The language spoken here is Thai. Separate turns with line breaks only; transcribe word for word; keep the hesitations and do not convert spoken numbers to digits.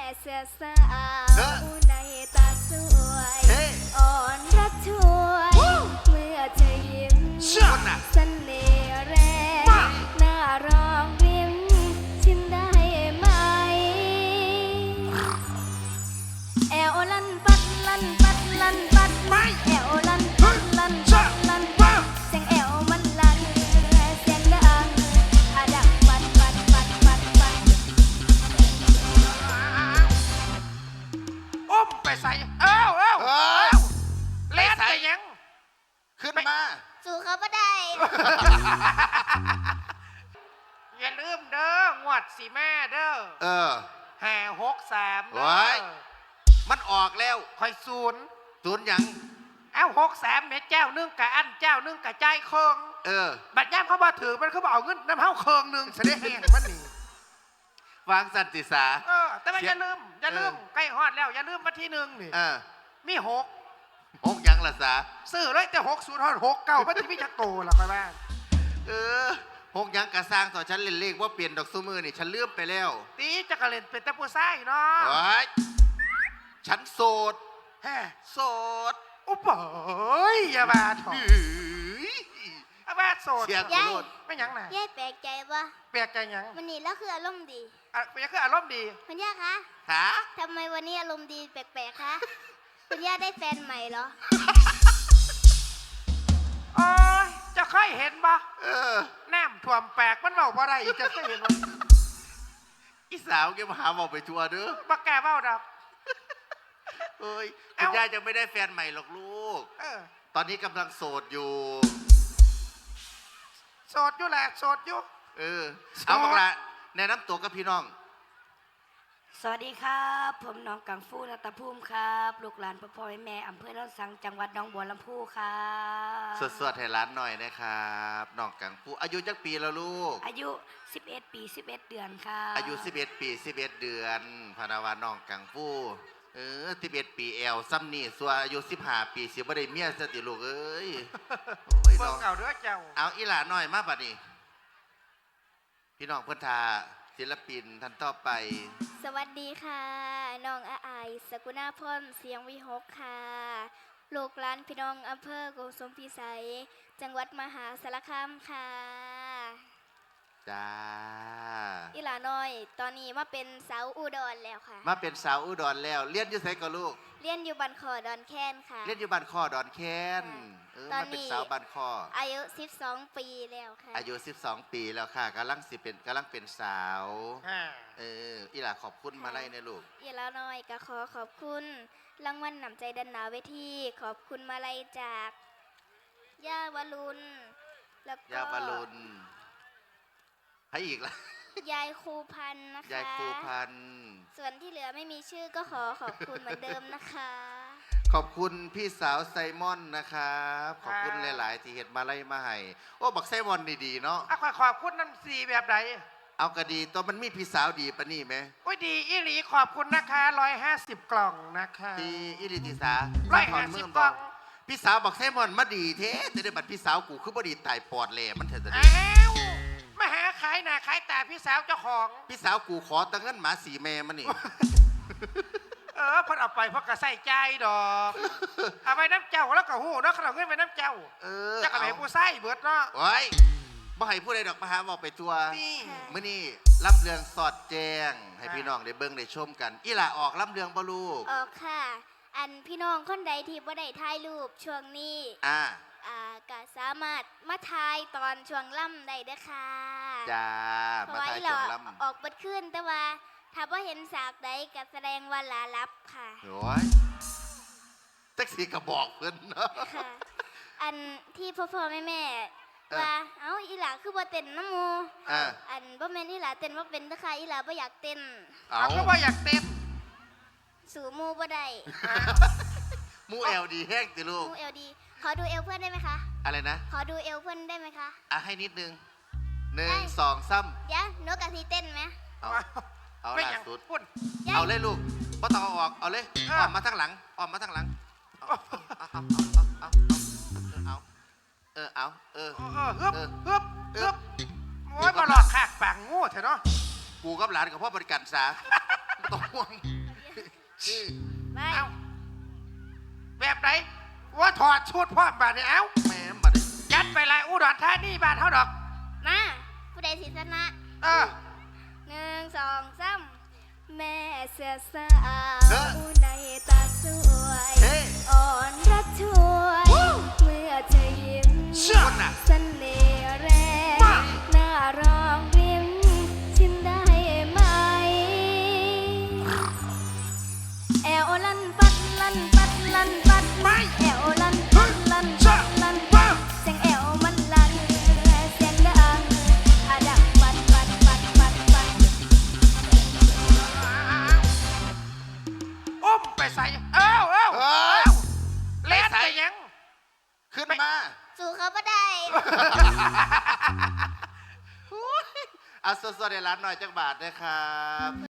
เสื้อสาวในตาสวยอ่อนรักช่วยเมื่อเธอยิ้มเสน่ห์แรงน่ารองริมชิมได้ไหมแอวลันปัดลันปัดลันปัดไม่แอวลันปัดลันปัดลันปัดเสียงแอวมันลันเสียงดังอะดังปัดปัดปัดปัดปัด
อุ้มไปใส่เอ้าเอ้าเอ้าเล่นไปยัง
ขึ้นมา
สู่เขาไม่ได้
อย่าลืมเด้องวดสีแม่เด้อ
เออ
แห่หกสามเด้
ไว้
อ
มันออกแล้ว
คอยศูนย์
ศูนย์หยัง
เอ้าหกสามเม็ดเจ้านึ่งกะอันเจ้านึ่งกะใจเคิง
เออ
บัดย่ามเขาบอกถือมันเขาบอกเอาเงินน้ำเฮาเคิงหนึ่งเสด็จแห่งมันนี่
วางสันติสา
เออแต่ว่าอย่าลืมอย่าลืมใกล้ฮอดแล้วอย่าลืมวันที่หนึ่งนี่
เออ
มีหก
หกหยังละสา
ซื้อเลยแต่หกศูนย์ฮอดหกเก้ามันจะมีจักโตล่ะไปบ้าง
เออหกหยังกระสร้างต่อฉันเล่นเลขว่าเปลี่ยนดอกซูมือนี่ฉันเลื่อมไปแล้ว
ตีจักรเล่นเป็นแต่ผู้ชายเนาะ
ไว้ฉันโสด
แฮ่
โสด
อุปเอ้ยอย่ามาถอดอาบ้าโสด
เสียง
ยาย
ไม่ยังไหน
ยายแปลกใจปะ
แปลกใจยัง
วันนี้แล้วคืออารมณ์ดี
อ่ะเป็นยังคืออารมณ์ดี
คุณย่าคะ
ขา
ทำไมวันนี้อารมณ์ดีแปลกๆคะคุณย่าได้แฟนใหม่เหรอ
โอ้ยจะเคยเห็นปะ
เออ
แนมถ่วมแปลกมันเบาบ่ได้อีกจะเคยเห็นปะ
อีสาวแกมาหาบอกไปทัวร์เด้อ
บักแกเบ้าดับ
เอ้ยคุณย่ายังไม่ได้แฟนใหม่หรอกลูก
เออ
ตอนนี้กำลังโสดอยู่
โสดอยู่แหละโสดอยู่
เออเอาบอกละแนะนำตัวกับพี่น้อง
สวัสดีครับผมน้องกังฟูนัตภูมิครับลูกหลานพ่อพ่อแม่แม่อำเภอโนนสังจังหวัดหนองบัวลำพูครับ
สวดๆให้ร้านหน่อยนะครับน้องกังฟูอายุจักปีแล้วลูก
อายุสิบเอ็ดปีสิบเอ็ดเดือนครับ
อายุสิบเอ็ดปีสิบเอ็ดเดือนพนาวาน้องกังฟูเออสิบเอ็ดปีแอลซ้ำนี่ส่วนอายุสิบห้าปีสิบ่ได้เมียสติลูกเอ้ย
เบิ่งเอาเด้อเจ้า
เอาอีหลาหน่อยมาบัดนี้พี่น้องเพื่อนทาศิลปินท่านต่อไป
สวัสดีค่ะน้องอาไอสกุณาพรเสียงวิหกค่ะลูกหลานพี่น้องอำเภอโกสุมพิสัยจังหวัดมหาสารคามค่ะ
จ้า
อีหลาน้อยตอนนี้มาเป็นสาวอุดรแล้วค่ะ
มาเป็นสาวอุดรแล้วเรียนอยู่ไสก็ลูก
เรียนอยู่บ้านคอดอนแค้นค่ะ
เรียนอยู่บ้านคอดอนแค้นเออมาเป็นสาวบ้านคอ
อายุสิบสองปีแล้วค่ะ
อายุสิบสองปีแล้วค่ะกำลังสิเป็นกำลังเป็นสาวเอออีหล่าขอบคุณมาไล่ในลูก
อีหลาน้อยก็ขอขอบคุณรางวัลนำใจดันหนาเวทีขอบคุณมาไล่จากย่าวรุณแล้วก็
ย่าวรุณให้อีกละ
ยายครูพันนะคะ
ยายครูพัน
ส่วนที่เหลือไม่มีชื่อก็ขอขอบคุณเหมือนเดิมนะคะ
ขอบคุณพี่สาวไซมอนนะครับขอบคุณหลายๆที่เห็นมาไล่มาให้โอ้บักไซมอนดีๆเนาะ
อ่ะขอขอบคุณน้ำสีแบบไหน
เอากระดีตัวมันมีพี่สาวดีปะนี่ไหม
โอ้ยดีอีหลีขอบคุณนะคะร้อยห้าสิบกล่องนะคะ
ดีอีหลีติสา
ร้อยห้าสิบกล่อง
พี่สาวบักไซมอนมาดีเท่แต่ได้บัตรพี่สาวกูคือบ่ดีตายปอดแหล่มันเถอะจะดี
มาหาขายหน้าขายตาพี่สาวเจ้าของ
พี่สาวกูขอตังเงินหมาสีแม่มันนี่
เออพอเอาไปพอกระใส่ใจดอกเอาไปน้ำเจ้าแล้วก็หูเนาะขนมเงินไปน้ำเจ้า
เออ
จะกระไปผู้ไส้เบิดเนาะ
โอ้ยบ่ให้ผู้ใดดอกมาหาบอกไปทัวมื้อนี้ล่ำเรืองสอดแจ้งให้พี่น้องได้เบิ่งได้ชมกันอีหล่าออกล่ำเรืองบ่ลูก
ออกค่ะอันพี่น้องคนใดที่บ่ได้ถ่ายรูปช่วงนี้
อ่า
อ่าก็สามารถมาถ่ายตอนช่วงล่ำได้เด้อค่ะ
จ้ามาถ่ายช่วงล่
ำออกเบิดขึ้นแต่ว่าถ้าว่าเห็นสากใดก็แสดงว่าลาลับค่ะ
โอ้ยแท็กซี่ก็บอกเพิ่นเนาะ
อันที่พ่อพ่อแม่แม่ว่าเอ้าอีหลาคือบ่เต้นน้ำมูอันบ่แม่นอีหลาเต้นว่าเป็นนะคะอีหลาบ่อยากเต้น
เอาก็บ่อยากเต้น
สู่มูบ่ได้
มูเอลดีแห้งติลูก
มูเอลดีขอดูเอวเพื่อนได้ไหมคะ
อะไรนะ
ขอดูเอวเพื่อนได้ไหมคะ
อ่ะให้นิดนึงหนึ่งสองซ้
ำเดี๋ยวนกกะทีเต้นไหม
เอาเอาล่าสุดเอาเลยลูกบ่ต้องเอาออกเอาเลยออกมาทั้งหลังออกมาทั้งหลังเอาเอาเอาเอาเออเอาเออ
ฮึบฮึบฮึบโอ้ยมาหลอกขากปากงูเถอะเนาะ
กูกับหลานกับพ่อบริการสาต้องห่วง
ไป
เอาแบบไหนว่าถอดชุดพ่อมบาดเนี่ยเอา
แม่มาดิ
ยัดไปลายอุดรธานีบ้านเขาดอก
มาผู้ใดสิชนะ
เออ
หนึ่งสองสามแม่เสือสา
เออ
วในตาสวย
เฮ้
อ่อนรักช่วยเมื่อเธอยิ้ม
เชื่อน่ะ
เสน่ห์แรงน่ารองริมชิมได้ไหมแอวลันปัดลันปัดลันปัด
ไม่
แอวลันปัดลันปัดลันปัดเสียงแอวมันลันเสียงดังอะดังปัดปัดปัดปัดปัด
อุ้มไปใส่เอ้าเอ้า
เอ
เอ้า
อ
เล่นไปยัง
ขึ้นมา
สู้เขาไม่ได้
เอาสดๆในร้านหน่อยจักบาทนะครับ